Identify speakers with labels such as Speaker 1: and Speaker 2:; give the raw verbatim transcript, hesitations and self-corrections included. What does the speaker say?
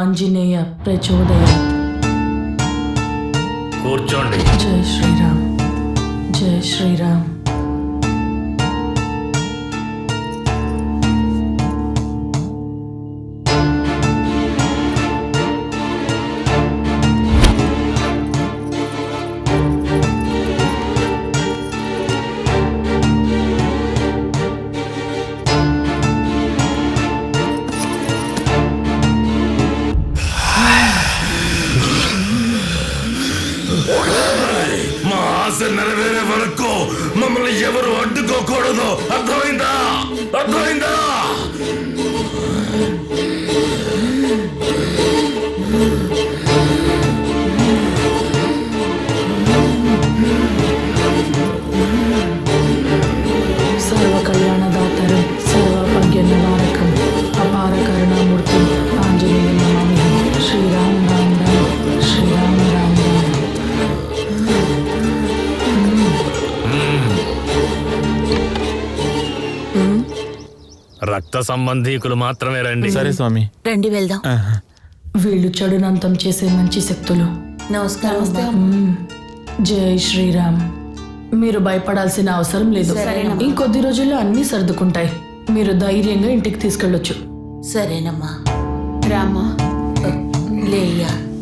Speaker 1: ఆంజనేయ ప్రచోదయాత్.
Speaker 2: కూర్చోండి.
Speaker 1: జై శ్రీరామ్. జై శ్రీరామ్.
Speaker 2: మా ఆశ నెరవేరే వరకు మమ్మల్ని ఎవరు అడ్డుకోకూడదు. అర్థమైందా? అర్థమైందా?
Speaker 1: సర్వ కళ్యాణదాతరం సర్వభాగ్య నివారకం అపార కరుణామూర్తి ఆంజనేయ నమామి. శ్రీరామ్ రామ్ రామ్ శ్రీరామ్ రామ్ రామ్.
Speaker 2: రక్త సంబంధీకులు మాత్రమే రండి.
Speaker 3: సరే స్వామి.
Speaker 4: రండి వెళ్దాం.
Speaker 1: వీళ్ళు చెడునంతం చేసే మంచి శక్తులు.
Speaker 4: నమస్కారం.
Speaker 1: మ్మ్. జై శ్రీరామ్. మీరు భయపడాల్సిన అవసరం లేదు.
Speaker 4: సరేనమ్మా.
Speaker 1: ఇంకొద్ది రోజుల్లో అన్నీ సర్దుకుంటాయి. మీరు ధైర్యంగా ఇంటికి తీసుకెళ్ళొచ్చు.
Speaker 4: సరేనమ్మా.
Speaker 5: రామ్మా.
Speaker 4: లేయ్యా.